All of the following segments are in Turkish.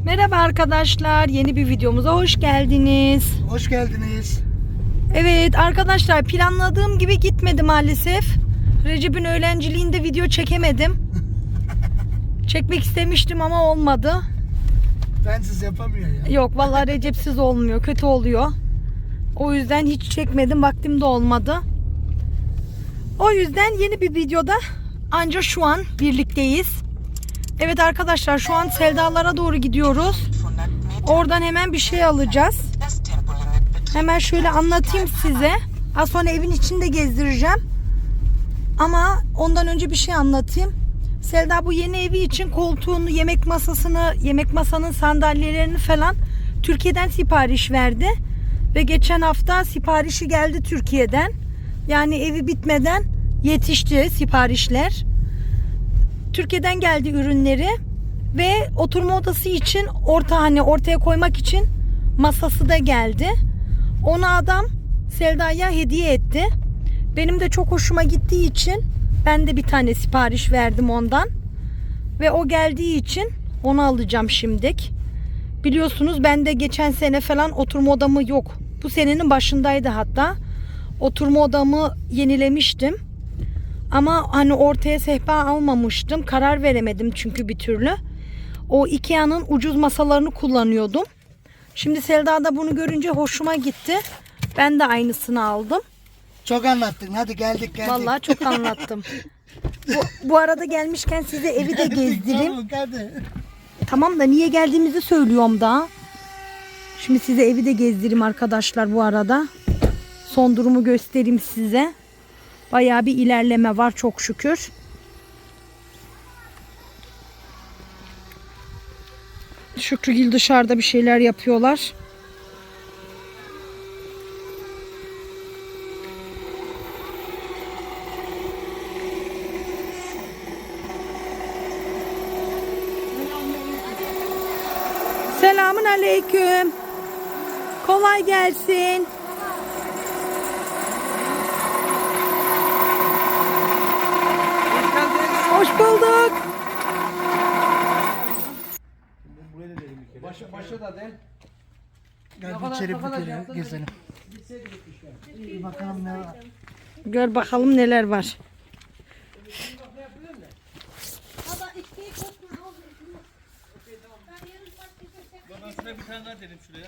Merhaba arkadaşlar, yeni bir videomuza hoş geldiniz. Hoş geldiniz. Evet arkadaşlar, planladığım gibi gitmedi maalesef. Recep'in öğrenciliğinde video çekemedim. Çekmek istemiştim ama olmadı. Bensiz yapamıyor ya. Yok vallahi Recep'siz olmuyor, kötü oluyor. O yüzden hiç çekmedim, vaktim de olmadı. O yüzden yeni bir videoda ancak şu an birlikteyiz. Evet arkadaşlar, şu an Seldalara doğru gidiyoruz. Oradan hemen bir şey alacağız. Hemen şöyle anlatayım size. Az sonra evin içinde gezdireceğim. Ama ondan önce bir şey anlatayım. Selda bu yeni evi için koltuğunu, yemek masasını, yemek masanın sandalyelerini falan Türkiye'den sipariş verdi. Ve geçen hafta siparişi geldi Türkiye'den. Yani evi bitmeden yetişti siparişler. Türkiye'den geldi ürünleri ve oturma odası için ortaya koymak için masası da geldi. Onu adam Selda'ya hediye etti. Benim de çok hoşuma gittiği için ben de bir tane sipariş verdim ondan. Ve o geldiği için onu alacağım şimdilik. Biliyorsunuz ben de geçen sene falan oturma odamı yok. Bu senenin başındaydı hatta. Oturma odamı yenilemiştim. Ama hani ortaya sehpa almamıştım. Karar veremedim çünkü bir türlü. O Ikea'nın ucuz masalarını kullanıyordum. Şimdi Selda da bunu görünce hoşuma gitti. Ben de aldım. Çok anlattın. Hadi geldik. Vallahi çok anlattım. Bu arada gelmişken size evi de gezdireyim. Hadi. Tamam da niye geldiğimizi söylüyorum daha. Şimdi size evi de gezdireyim arkadaşlar bu arada. Son durumu göstereyim size. Bayağı bir ilerleme var çok şükür. Şükrügil dışarıda bir şeyler yapıyorlar. Selamun aleyküm. Kolay gelsin. Hoş bulduk. Başa da del. Gel bir içeri gezelim. Bir bakalım ne var. Gör bakalım neler var. Ben şuna bir tane daha dedim şuraya.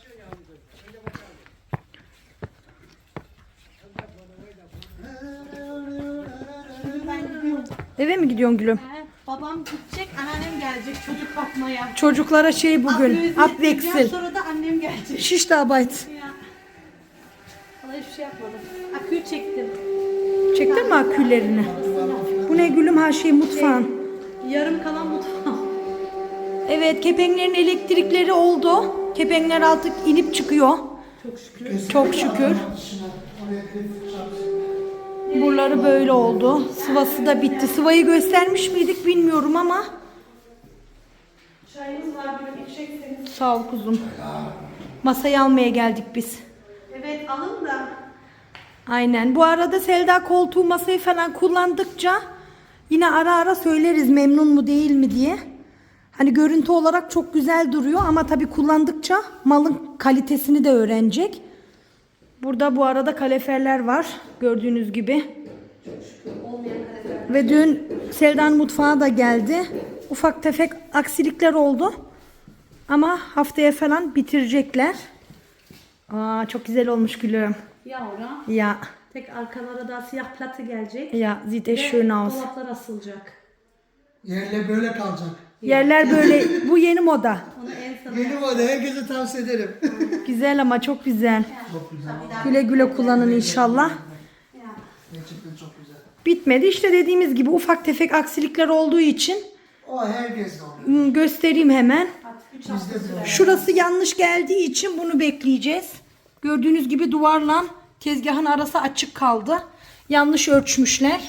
Eve mi gidiyorsun gülüm? Babam gidecek, anneannem gelecek çocuk bakmaya. Çocuklara şey bugün. Abdeksil. Sonra da annem gelecek. Şiş de abayt. Ya. Vallahi hiçbir şey yapmadım. Aküyü çektim. Çektin mi aküllerini? Bu ne gülüm, her şey mutfağın. Yarım kalan mutfağım. Evet, kepenklerin elektrikleri oldu. Kepenkler artık inip çıkıyor. Çok şükür. Çok şükür. Buraları böyle oldu. Sıvası da bitti. Sıvayı göstermiş miydik bilmiyorum ama. Çayımız var, böyle içecekseniz. Sağ ol kuzum. Masayı almaya geldik biz. Evet, alın da. Aynen. Bu arada Selda koltuğu, masayı falan kullandıkça yine ara ara söyleriz memnun mu değil mi diye. Hani görüntü olarak çok güzel duruyor ama tabii kullandıkça malın kalitesini de öğrenecek. Burada bu arada kaloriferler var gördüğünüz gibi. Ve dün Selda'nın mutfağı da geldi. Ufak tefek aksilikler oldu. Ama haftaya falan bitirecekler. Aa, çok güzel olmuş gülüm. Ya ora. Ya. Tek arkalara da siyah platı gelecek. Ja, sieht echt Ve schön aus. dolaplar asılacak. Yerler böyle kalacak. Yerler böyle, bu yeni moda. Onu en son. Yeni moda, herkese tavsiye ederim. Güzel ama çok güzel. Çok güzel. Güle güle kullanın inşallah. Gerçekten çok güzel. Bitmedi işte, dediğimiz gibi ufak tefek aksilikler olduğu için O herkes de oluyor. göstereyim hemen. Bizde de oluyor. Şurası yanlış geldiği için bunu bekleyeceğiz. Gördüğünüz gibi duvarla tezgahın arası açık kaldı. Yanlış ölçmüşler.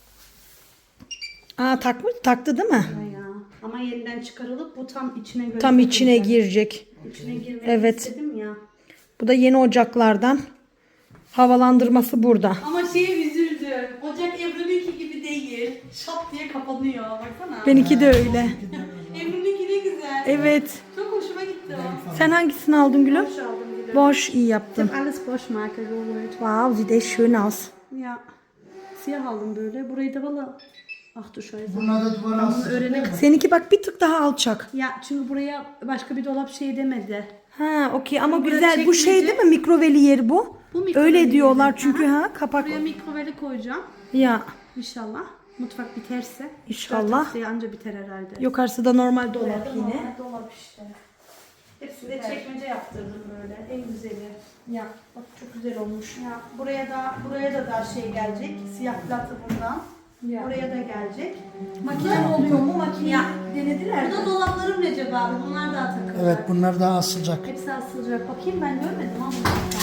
Aa, taktı değil mi? Ya. Ama yeniden çıkarılıp bu tam içine göre. Tam içine girecek. İçine girmek Evet. istedim ya. Bu da yeni ocaklardan. Havalandırması burada. Ama şeye üzüldüm. Ocak Ebru'nunki gibi değil. Şap diye kapanıyor. Baksana. Benimki de öyle. Ebru'nunki ne güzel. Evet. Çok bitti o. Sen hangisini aldın gülüm? Boş aldım gülüm. Boş, iyi Ich yaptın. habe alles Bosch-Marke geholt. Wow, sieht echt schön aus. Ya. Siyah aldım böyle. Burayı da valla... Ah du Scheiße. Bunlar da duvara asılacak değil mi? Seninki bak bir tık daha alçak. Ya çünkü buraya başka bir dolap şey demedi. Ha, okey ama Buraya güzel. Bu şey çekmece. değil mi? Mikroveli yeri bu. Bu mikroveli Öyle yeri. diyorlar çünkü Aha. ha kapak. Buraya mikroveli koyacağım. Ya İnşallah. Mutfak biterse. İnşallah. Haftaya anca biter herhalde. yukarısı da normal dolap yine. Normal dolap işte. Hepsini de çekmece yaptırdım böyle. En güzeli. Ya bak çok güzel olmuş. Ya buraya da şey gelecek. Siyah platı buradan. Ya. Oraya da gelecek. Makine oluyor mu? Makine Ya. denediler mi? Burada dolaplarım Recep abi. Bunlar daha takılacak. Evet bunlar daha asılacak. Hepsi asılacak. Bakayım ben görmedim ama.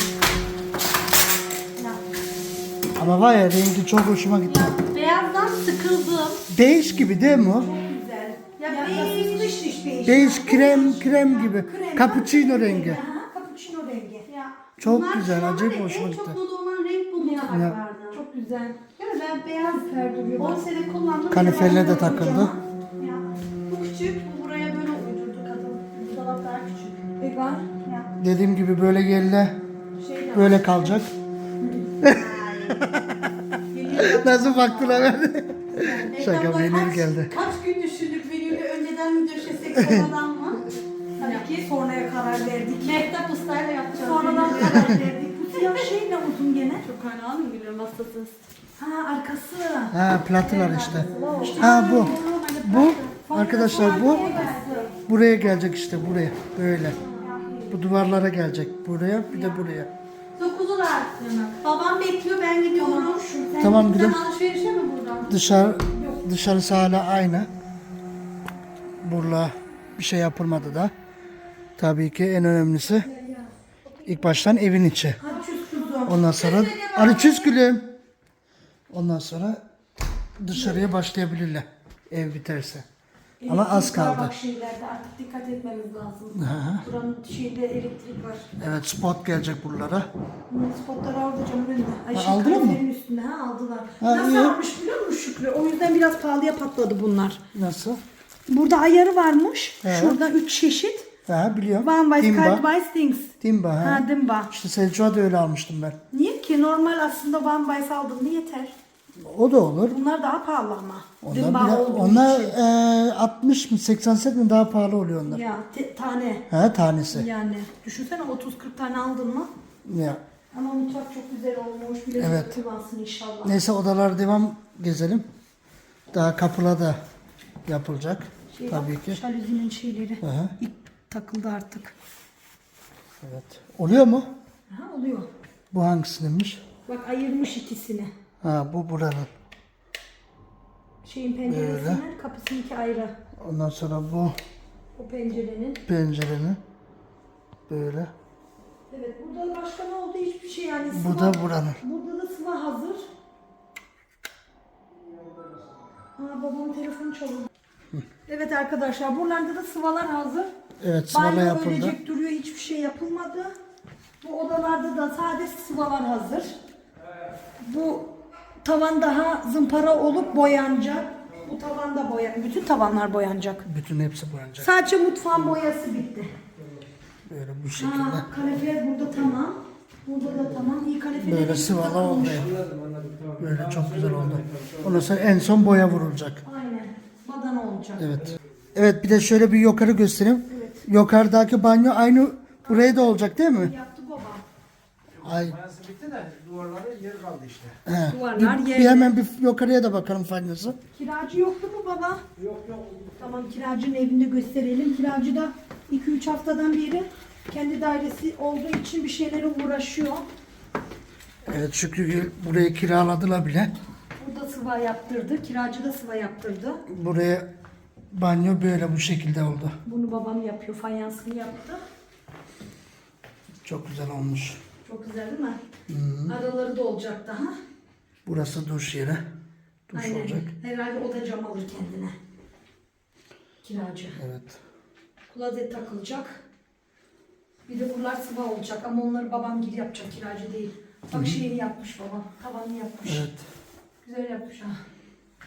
Ya. Ama var ya rengi çok hoşuma gitti. Ya beyazdan sıkıldım. Beige gibi değil mi o? Güzel. Ya, Ya beige. dış dış beige. Beige krem gibi. Krem. Cappuccino rengi. Ha, cappuccino rengi. Ya. Çok bunlar güzel, şu an acayip var ya, hoşuma en gitti. çok moda olan renk bu mutfaklarda. Çok güzel. Yani ben beyaz 10 sene kullandım. Kaliferle de beyaz takıldı. kocaman. Ya. Bu küçük. Bu buraya böyle uydurdu kadın. Bu dolap daha küçük. Vegan. Ya. Dediğim gibi böyle yerle Şey de böyle kalacak. Nasıl baktılar? Şaka menü geldi. Kaç gün düşündük menüyü önceden mi döşesek sonradan mı? Tabii ki sonraya karar verdik. Mehtap Usta'yla yapacağız. Sonradan karar verdik. Bu siyah şey ne uzun gene? Çok hala mı biliyorum hastasız. Ha arkası. Ha platılar işte. Ha bu. Bu arkadaşlar bu buraya gelecek işte buraya böyle. Bu duvarlara gelecek buraya bir de buraya. Dokuzular. Babam bekliyor ben gidiyorum. Tamam gülüm. Sen alışverişe mi buradan? Dışarısı hala aynı. Burada bir şey yapılmadı da. Tabii ki en önemlisi ilk baştan evin içi. Ondan sonra arıçüz gülüm. Ondan sonra dışarıya başlayabilirler ev biterse. Ama az kaldı. Bak şeylerde artık dikkat etmemiz lazım. Buranın şeyde elektrik var. Evet spot gelecek buralara. Spotları aldı canım önünde. Ay, Ha, şey, aldılar mı? kaloriferin üstünde ha aldılar. Ha, Nasıl iyi. almış biliyor musun Şükrü? O yüzden biraz pahalıya patladı bunlar. Nasıl? Burada ayarı varmış. He. Şurada 3 çeşit. Ha biliyorum. One by Dimba. Skype by Things. Dimba ha. Ha dimba. İşte Selçuk'a da öyle almıştım ben. Niye ki? Normal aslında One by aldığında yeter. O da olur. Bunlar daha pahalı ama. Onlar, Dimba olduğu onlar için. 60 mı 80 cent mi daha pahalı oluyor onlar. Ya tane. Ha tanesi. Yani düşünsene 30-40 tane aldın mı? Ya. Ama mutfak çok güzel olmuş. Bilezik Evet. kullansın inşallah. Neyse odalar devam gezelim. Daha kapıla da yapılacak. Şey Tabii bak, ki. Şalüzinin şeyleri. Aha. İp takıldı artık. Evet. Oluyor mu? Ha oluyor. Bu hangisindenmiş? Bak ayırmış ikisini. Ha bu buranın. Şeyin penceresinden kapısınınki ayrı. Ondan sonra bu O pencerenin. pencerenin böyle. Evet burada başka ne oldu hiçbir şey yani. Bu da buranın. Burada da sıva hazır. Babamın telefonu çalıyor. Evet arkadaşlar buralarda da sıvalar hazır. Evet sıvalı Banyo yapıldı. ölecek duruyor hiçbir şey yapılmadı. Bu odalarda da sadece sıvalar hazır. Bu tavan daha zımpara olup boyanacak. Bu tavan da bütün tavanlar boyanacak. Bütün hepsi boyanacak. Sadece mutfağın boyası bitti. Böyle bu şekilde. Kalifer burada tamam. Burada da tamam. İyi kalifer. Böyle sıvalı oldu. Böyle çok güzel oldu. Ondan sonra en son boya vurulacak. Aynen. Badana olacak. Evet. Evet bir de şöyle bir yukarı göstereyim. Yukarıdaki banyo aynı buraya da olacak değil mi? Yaptı baba. Ay. Mayası bitti de duvarlarda yer kaldı işte. He. Duvarlar Bir yerli. hemen bir yukarıya da bakalım faydası. Kiracı yoktu mu baba? Yok. Tamam kiracının evinde gösterelim. Kiracı da 2-3 haftadan beri kendi dairesi olduğu için bir şeylere uğraşıyor. Evet Şükrü burayı kiraladılar bile. Burada sıva yaptırdı. Kiracı da sıva yaptırdı. Buraya banyo böyle bu şekilde oldu. Bunu babam yapıyor. Fayansını yaptı. Çok güzel olmuş. Çok güzel değil mi? Araları da olacak daha. Burası duş yeri. Duş Aynen. olacak. Herhalde o da cam alır kendine. Kiracı. Evet. Klozet takılacak. Bir de buralar sıva olacak ama onları babam gibi yapacak, kiracı değil. Bak şeyini yapmış babam, tavanını yapmış. Evet. Güzel yapmış ha.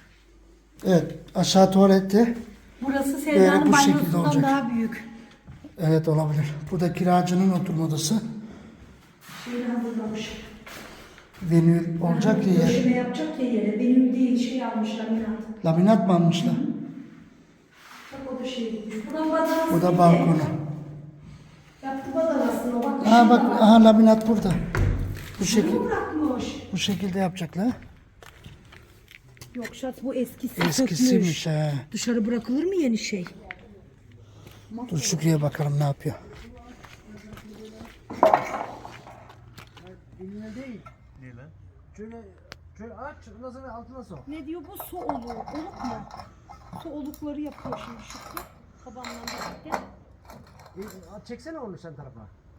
Evet aşağı tuvalette Burası Böyle Sevda'nın bu şekilde banyosundan olacak. daha büyük. Evet olabilir. Bu da kiracının oturma odası. Şeyini hazırlamış. Venül olacak ya yer. Döşeme yapacak ya yere. Benim değil şey almışlar Miran. Laminat mı almışlar? Bak o da şey. Buradan badanası. Bu da balkonu. Yaptı badanasını o bak. Aa bak aha laminat burada. Bu şekil Bunu bırakmış. bu şekilde yapacaklar. Yok şat bu eskisi. Eskisiymiş he. Dışarı bırakılır mı yeni şey? Dur Şükrü'ye bakalım ne yapıyor. Eline değil. Ne lan? Şöyle aç, ondan sonra altına sok. Ne diyor bu su oluğu? Oluk mu? Su olukları yapıyor şimdi Şükrü. Babamla birlikte. Çeksene onu sen tarafa.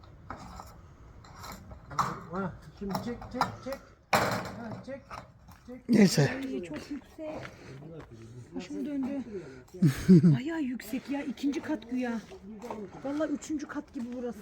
Ha, şimdi çek. Ha, çek. Neyse. Ay, çok yüksek. Başım döndü. Bayağı yüksek ya. 2. kat güya. Vallahi 3. kat gibi burası.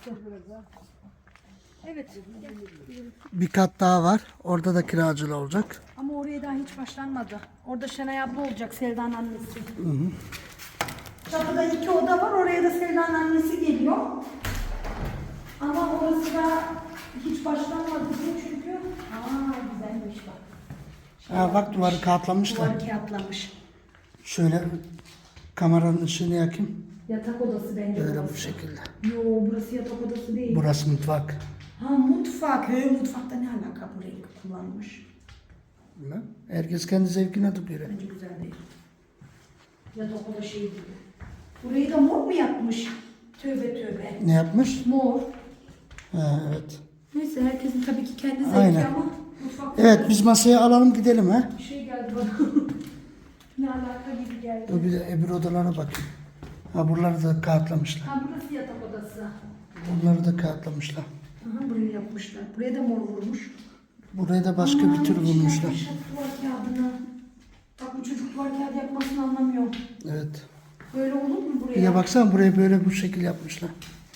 Evet. Bir kat daha var. Orada da kiracılı olacak. Ama oraya daha hiç başlanmadı. Orada Şenay abla olacak, Selda'nın annesi. Çatıda 2 oda var. Oraya da Selda'nın annesi geliyor. Ama orası da hiç başlanmadı diye çünkü. Güzelmiş bak. Ha bak duvarı kağıtlamışlar. Duvar kağıtlamış. Şöyle kameranın ışığını yakayım. Yatak odası bence Böyle burası. bu şekilde. Yo burası yatak odası değil. Burası mutfak. Ha mutfak. Mutfakta ne alaka bu renk kullanmış? Bilmem. Herkes kendi zevkine göre. Bence güzel değil. Yatak oda şey gibi. Burayı da mor mu yapmış? Tövbe tövbe. Ne yapmış? Mor. Ha, evet. Neyse herkesin tabii ki kendi zevki Aynen. ama mutfakta Evet biz masaya alalım gidelim ha. bir şey geldi bana. Ne alaka gibi geldi. Dur bir de öbür odalara bakayım. Ha buraları da kağıtlamışlar. Ha burası yatak odası. Bunları da kağıtlamışlar. Aha burayı yapmışlar. Buraya da mor vurmuş. Buraya da başka bir tür bulmuşlar. Duvar kağıdını. Bak bu çocuk duvar kağıdı yapmasını anlamıyor. Evet. Böyle olur mu buraya? Bir de baksana buraya böyle bu şekil yapmışlar.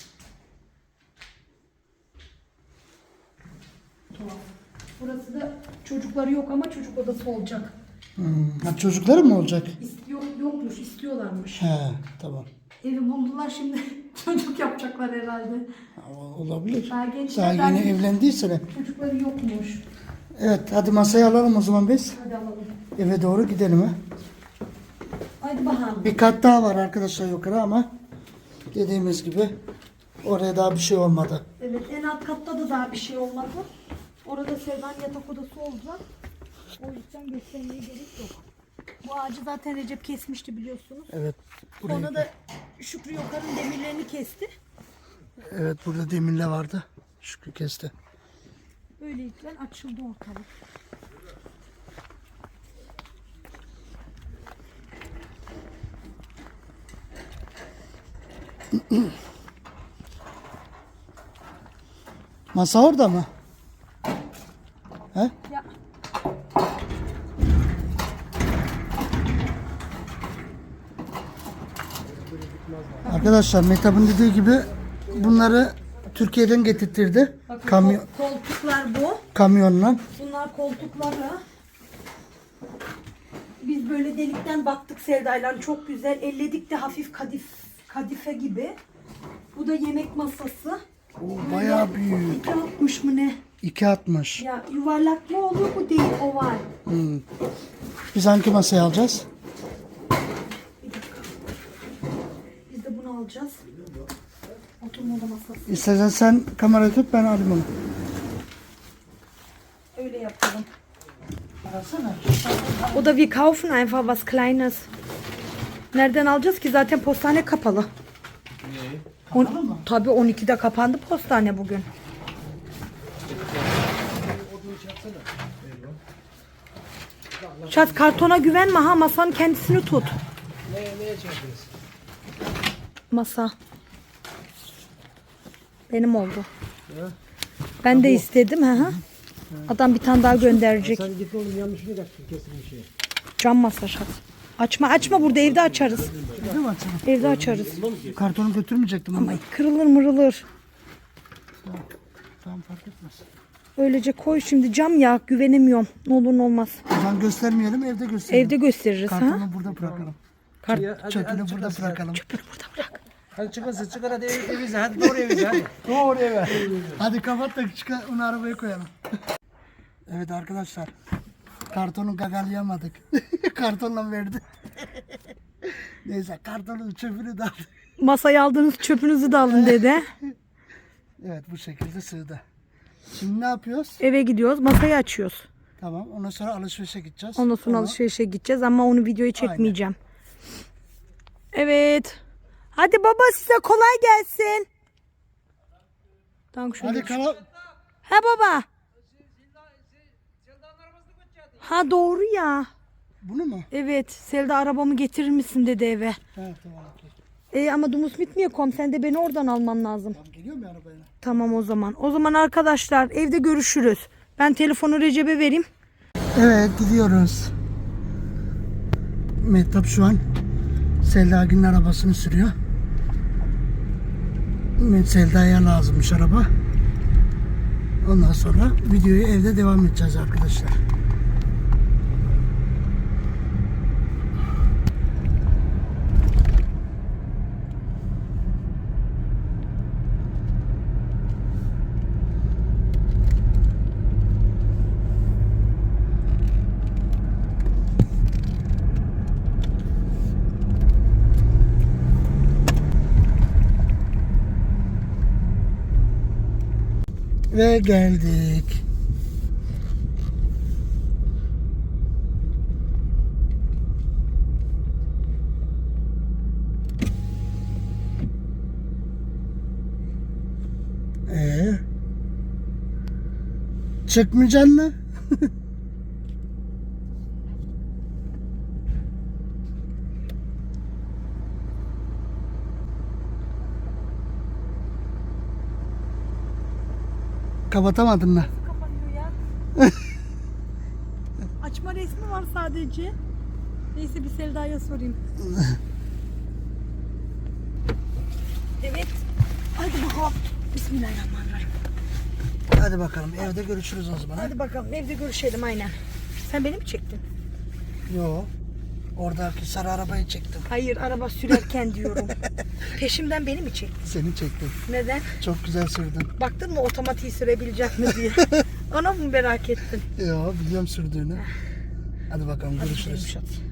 Tuhaf. Burası da çocukları yok ama çocuk odası olacak. Ha çocukları mı olacak? Yokmuş, istiyorlarmış. He tamam. Evi buldular şimdi çocuk yapacaklar herhalde. Ha, olabilir. Daha gençler Daha yeni daha- evlendiyse de. Çocukları yokmuş. Evet hadi masaya alalım o zaman biz. Hadi alalım. Eve doğru gidelim ha. Hadi bakalım. Bir kat daha var arkadaşlar yukarı ama dediğimiz gibi oraya daha bir şey olmadı. Evet en alt katta da daha bir şey olmadı. Orada Sevda'nın yatak odası olacak. O yüzden göstermeye gerek yok. Bu ağacı zaten Recep kesmişti biliyorsunuz. Evet. Sonra da Şükrü Yokar'ın demirlerini kesti. Evet burada demirle vardı. Şükrü kesti. Böylelikle açıldı ortalık. Masa orada mı? He? Ya Arkadaşlar Mehtap'ın dediği gibi bunları Türkiye'den getirtirdi. bakın koltuklar bu. Kamyonla. Bunlar koltukları. Biz böyle delikten baktık Sevda'yla çok güzel. Elledik de hafif kadife gibi. Bu da yemek masası. O bayağı büyük. 2.60 mı ne? 2.60. Ya yuvarlak mı olur bu değil oval. Biz hangi masayı alacağız? Bir dakika. Biz de bunu alacağız. Oturma oda masası. İstersen sen kamerayı tut ben alayım onu. Öyle yapalım. Arasana. Oder wir kaufen einfach was Kleines. Nereden alacağız ki? Zaten postane kapalı. Kapalı mı? Tabii 12'de kapandı postane bugün. Şaz kartona güvenme ha, masanın kendisini tut. Neye çektiniz? Masa. Benim oldu. Ben de istedim ha. Adam bir tane daha gönderecek. Sen git oğlum yanlışını kesin bir şey. Cam masa Şaz. Açma burada evde açarız. Değil mi açalım? Evde açarız. Kartonu götürmeyecektim ama. Ay kırılır mırılır. Tamam fark etmez. Öylece koy şimdi, cam ya, güvenemiyorum. Ne olur ne olmaz. O zaman göstermeyelim evde gösterelim. Evde gösteririz ha. Kartonu burada bırakalım. Kart Çöpünü burada bırakalım. çöpünü burada bırak. Hadi çıkın hadi evinize hadi doğru evinize hadi. Doğru eve. Hadi kapat da çıkar onu arabaya koyalım. Evet arkadaşlar. Kartonu gagalayamadık. Kartonla verdi. Neyse kartonun çöpünü de aldık. Masaya aldığınız çöpünüzü de alın dede. Evet bu şekilde sığdı. Şimdi ne yapıyoruz? Eve gidiyoruz. Masayı açıyoruz. Tamam ondan sonra alışverişe gideceğiz. Ondan sonra alışverişe gideceğiz ama onu videoyu çekmeyeceğim. Evet. Hadi baba size kolay gelsin. Tamam şöyle. Hadi kala. Ha baba. Ha doğru ya. Bunu mu? Evet. Selda arabamı getirir misin dedi eve. Evet tamam. Okey. Ama Dumus bitmiyor kom. Sen de beni oradan alman lazım. Tamam geliyor mu arabaya? Tamam o zaman. O zaman arkadaşlar evde görüşürüz. Ben telefonu Recep'e vereyim. Evet gidiyoruz. Mehtap şu an Selda Gül'ün arabasını sürüyor. Selda'ya lazımmış araba. Ondan sonra videoyu evde devam edeceğiz arkadaşlar. Ve geldik. Çıkmayacaksın mı? Kapatamadın mı? Kapanıyor ya. Açma resmi var sadece. Neyse bir Selda'ya sorayım. Evet. Hadi bakalım. Bismillahirrahmanirrahim. Hadi bakalım evde görüşürüz o zaman. Hadi bakalım evde görüşelim aynen. Sen beni mi çektin? Yo. Oradaki sarı arabayı çektim. Hayır araba sürerken diyorum. Peşimden beni mi çektin? Seni çektim. Neden? Çok güzel sürdün. Baktın mı otomatiği sürebilecek mi diye. Ona mı merak ettin? Yo biliyorum sürdüğünü. Hadi bakalım Hadi görüşürüz. gidelim, hadi.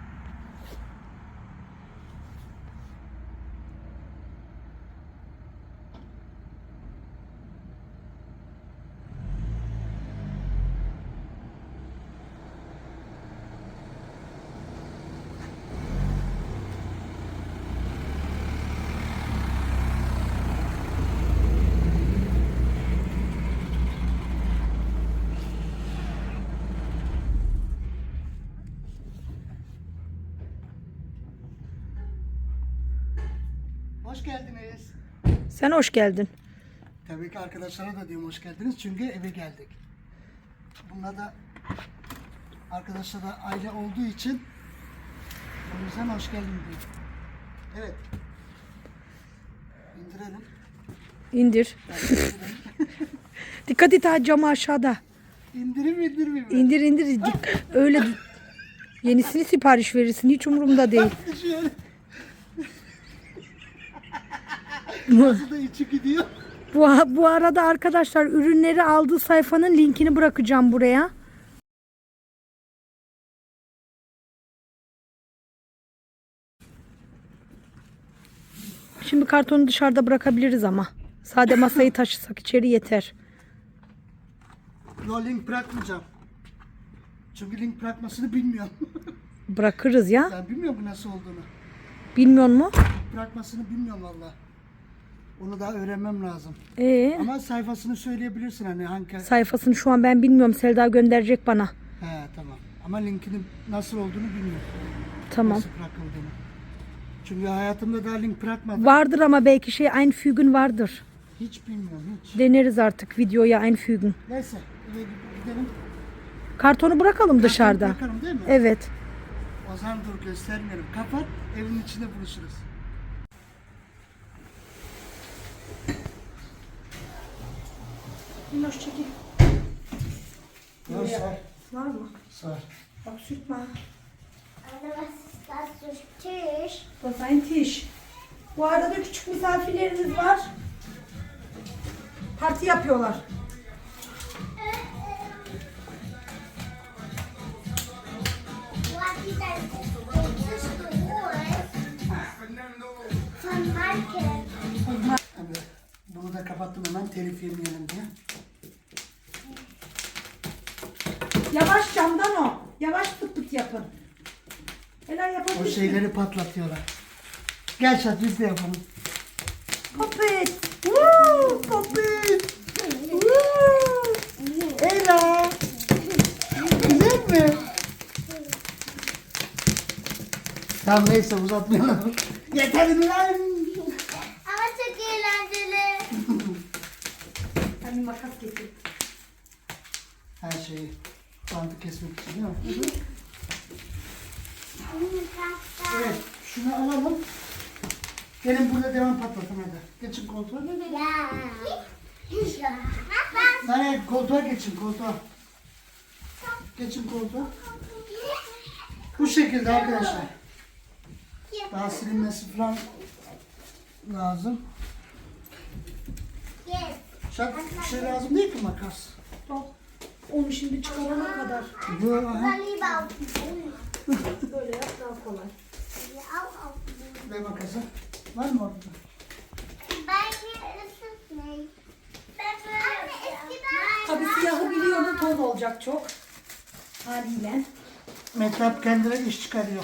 Hoş geldiniz. Sen hoş geldin. Tabii ki arkadaşlara da diyorum hoş geldiniz çünkü eve geldik. Bunlar da arkadaşlar da aile olduğu için o yüzden hoş geldin diyor. Evet. İndirelim. İndir. Dikkat et ha camı aşağıda. İndireyim indirmeyeyim mi? İndir indir. Öyle yenisini sipariş verirsin. Hiç umurumda değil. Şöyle. Nasıl da içi gidiyor. Bu arada arkadaşlar ürünleri aldığı sayfanın linkini bırakacağım buraya. Şimdi kartonu dışarıda bırakabiliriz ama. Sade masayı taşısak içeri yeter. Yo link bırakmayacağım. Çünkü link bırakmasını bilmiyorum. Bırakırız ya. Ben bilmiyorum nasıl olduğunu. Bilmiyor mu? Bırakmasını bilmiyorum valla. Onu daha öğrenmem lazım. Ama sayfasını söyleyebilirsin hani hangi... Sayfasını şu an ben bilmiyorum. Selda gönderecek bana. He tamam. Ama linkinin nasıl olduğunu bilmiyorum. Tamam. Nasıl bırakıldığını. Çünkü hayatımda daha link bırakmadım. Vardır ama belki Einfügen vardır. Hiç bilmiyorum hiç. Deneriz artık videoya Einfügen. Neyse eve gidelim. Kartonu bırakalım dışarıda. Bırakalım değil mi? Evet. O zaman dur göstermeyelim. Kapat evin içinde buluşuruz. Minnoş çekil. Sar. Var mı? Sar. Bak sürtme. Aber was ist das für Tisch? Das ist ein Tisch. Bu arada küçük misafirlerimiz var. Parti yapıyorlar. What is that? This is the voice from Michael. Evet. Bunu da kapattım hemen telif yemeyelim diye. Yavaş camdan o. Yavaş pıt pıt yapın. Helal O yapabilirsin. şeyleri patlatıyorlar. Gel Şat biz de yapalım. Popit. Woo! Popit! Woo! Ela! Güzel mi? Tamam neyse uzatmayalım. Yeter mi lan? Ama çok eğlenceli. Ben bir makas getir. Her şeyi bandı kesmek için değil mi? Evet, şunu alalım. Gelin burada devam patlatın hadi. Geçin koltuğa. Ya. Hayır, koltuğa geçin, koltuğa. Geçin koltuğa. Bu şekilde arkadaşlar. Daha silinmesi falan lazım. Şak, bir şey lazım değil ki makas. Al. Onu şimdi çıkarana kadar. Bu, aha. Böyle yap daha kolay. Ve makası. Var mı orada? Tabii siyahı biliyorum toz olacak çok. Haliyle. Mehtap kendine iş çıkarıyor.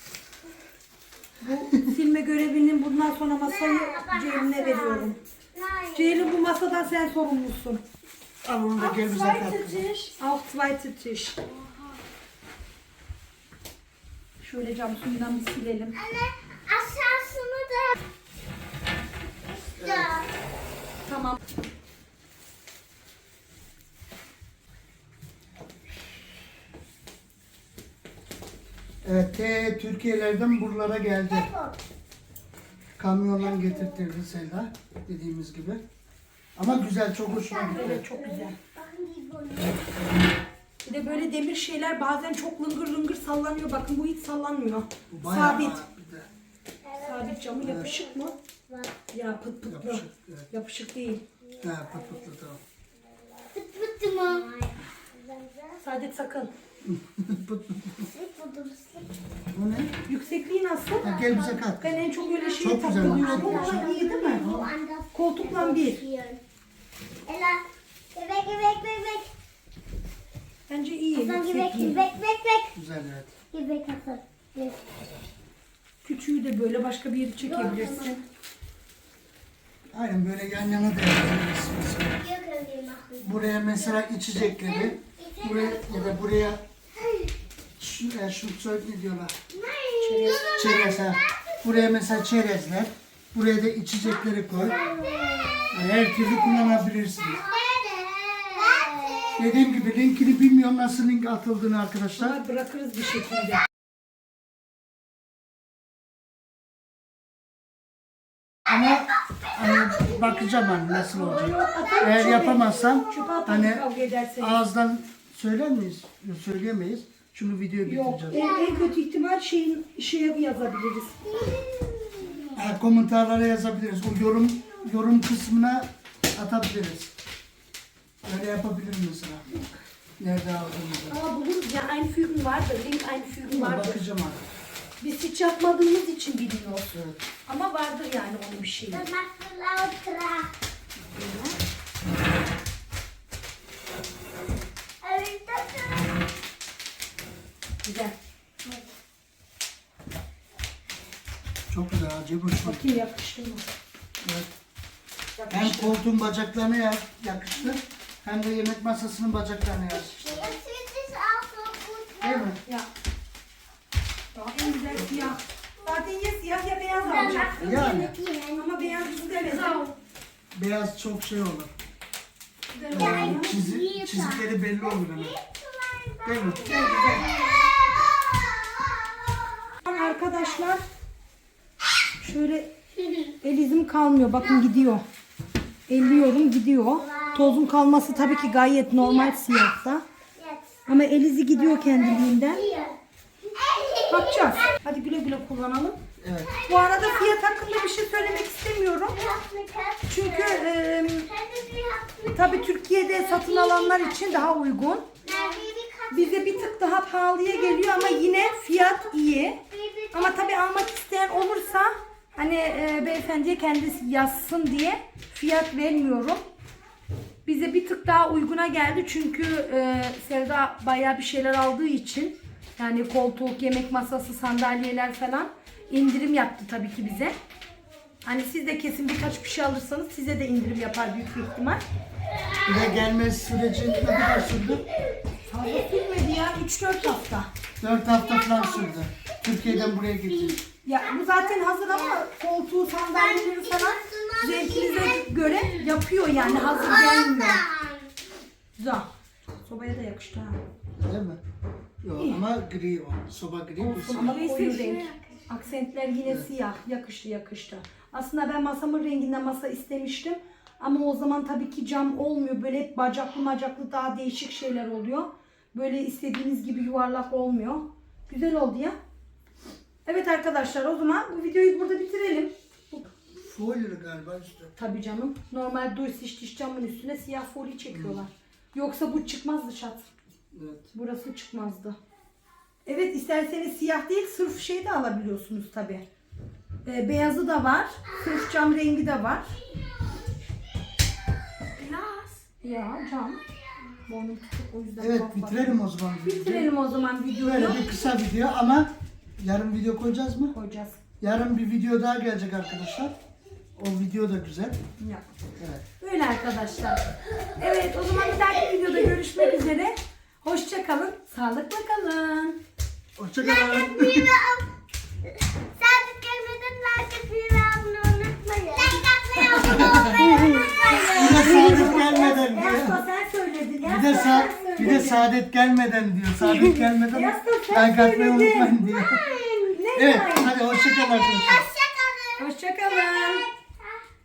Bu silme görevinin bundan sonra masayı Ceylin'e veriyorum. Ceylin bu masadan sen sorumlusun. Al onu da gel bize kat. Auch zweite Tisch. Şöyle cam suyundan bir silelim. Aşağısını da işte. Tamam. Evet, Türkiye'lerden buralara geldi. Kamyondan getirtirdi Selda dediğimiz gibi. Ama güzel, çok hoşuma gitti. Evet çok güzel. Bir de böyle demir şeyler bazen çok lıngır lıngır sallanıyor. Bakın bu hiç sallanmıyor. Bu bayağı Sabit. bir de Sabit camı yapışık mı? Ya pıt pıtlı. yapışık. Evet. Yapışık değil. Ha, patlatlı tamam. Pıt pıt mı? Saadet sakın. Bu ne? Yüksekliği nasıl? Ha, gel bize kat. Ben en çok öyle şeye Çok güzel takılıyorum yükseklik. ama iyi değil mi? Koltukla bir. Ela, bebek bebek bebek. Bence iyi Bebek yüksekliği. bebek bebek. Güzel evet. Bebek asıl. Küçüğü de böyle başka bir yere çekebilirsin. Aynen böyle yan yana da yapabiliriz mesela. Buraya mesela içecekleri, buraya ya da buraya şu söyle ne diyorlar? Çerez ha. Buraya mesela çerezler, buraya da içecekleri koy. Yani her türlü kullanabilirsiniz. Dediğim gibi linkini bilmiyorum nasıl link atıldığını arkadaşlar. Ama bırakırız bir şekilde. Ama hani bakacağım hani nasıl olacak. Atarım Eğer çöpe. yapamazsam Çöpe atarım hani kavga ederseniz. ağızdan söyler miyiz? Yok, söyleyemeyiz. Şunu videoya Yok. bitireceğiz. En kötü ihtimal şeye yazabiliriz. Komentarlara yazabiliriz. O yorum kısmına atabiliriz. Öyle yapabilirim mesela. Nerede aldığımızı. Ama buluruz ya einfügen vardır. Link einfügen Ama vardır. bakacağım artık. Biz hiç yapmadığımız için bilmiyoruz. Evet. Ama vardır yani onun bir şeyi. Das machst du lauter. Aber ist das Güzel. Çok güzel ha. Cebur şu. Bakayım yakıştı mı? Evet. Hem koltuğun bacaklarına yakıştı. Hem de yemek masasının bacaklarına yakıştı. Jetzt sieht es auch so gut Değil aus. mi? Ya. Daha en güzel siyah. Zaten ya siyah ya beyaz Dann alacak. machst du Yani. mit dir. Ama beyaz güzel. Beyaz çok şey olur. Güzel Ja, olur. Çizikleri belli olur hemen. Değil mi? Arkadaşlar şöyle el izim kalmıyor. Bakın gidiyor. Elliyorum gidiyor. Tozun kalması tabii ki gayet normal siyahta. Jetzt. Ama el izi gidiyor kendiliğinden. Hier. Bakacağız. Hadi güle güle kullanalım. Evet. Bu arada fiyat hakkında bir şey söylemek istemiyorum. Çünkü tabii Türkiye'de satın alanlar için daha uygun. Bize bir tık daha pahalıya geliyor ama yine fiyat iyi. Ama tabii almak isteyen olursa hani beyefendiye kendisi yazsın diye fiyat vermiyorum. Bize bir tık daha uyguna geldi çünkü Sevda bayağı bir şeyler aldığı için yani koltuk, yemek masası, sandalyeler falan indirim yaptı tabii ki bize. Hani siz de kesin birkaç bir şey alırsanız size de indirim yapar büyük bir ihtimal. Bir de gelme süreci ne kadar sürdü? Fazla sürmedi ya 3-4 hafta. 4 hafta falan sürdü. Türkiye'den buraya getirdik. Ya bu zaten hazır ama koltuğu, sandalyeleri falan zevkinize göre yapıyor yani hazır gelmiyor. Güzel. Sobaya da yakıştı ha. Değil mi? Yok ama gri o. Soba gri bu. Ama koyu renk. Aksentler yine siyah. Yakıştı. Aslında ben masamın renginden masa istemiştim. Ama o zaman tabii ki cam olmuyor. Böyle hep bacaklı daha değişik şeyler oluyor. Böyle istediğiniz gibi yuvarlak olmuyor. Güzel oldu ya. Evet arkadaşlar o zaman bu videoyu burada bitirelim. Folyo galiba üstü. Tabii canım. Normal duy diş camın üstüne siyah folyo çekiyorlar. Yoksa bu çıkmazdı şat. Evet. Burası çıkmazdı. Evet isterseniz siyah değil sırf şey de alabiliyorsunuz tabii. Beyazı da var. Sırf cam rengi de var. Ya cam. Boynum tutuk o yüzden. Evet tuhaf bak. bitirelim o zaman. Bitirelim o zaman videoyu. Böyle bir kısa video ama yarın video koyacağız mı? Koyacağız. Yarın bir video daha gelecek arkadaşlar. O video da güzel. Ya. Evet. Böyle arkadaşlar. Evet o zaman bir dahaki videoda görüşmek üzere. Hoşça kalın. Sağlıkla kalın. Hoşçakalın. Sadece gelmeden like atmayı ve abone olmayı unutmayın. Like atmayı, abone olmayı unutmayın. Bir de saadet gelmeden diyor. Yasla sen söyledin. Bir de, Yasla sen söyledin. bir de saadet gelmeden diyor. Saadet gelmeden Yasla sen like atmayı söyledin. unutmayın diyor. Ne Evet yani? hadi hoşçakalın arkadaşlar. Hoşçakalın. Hoşça kalın.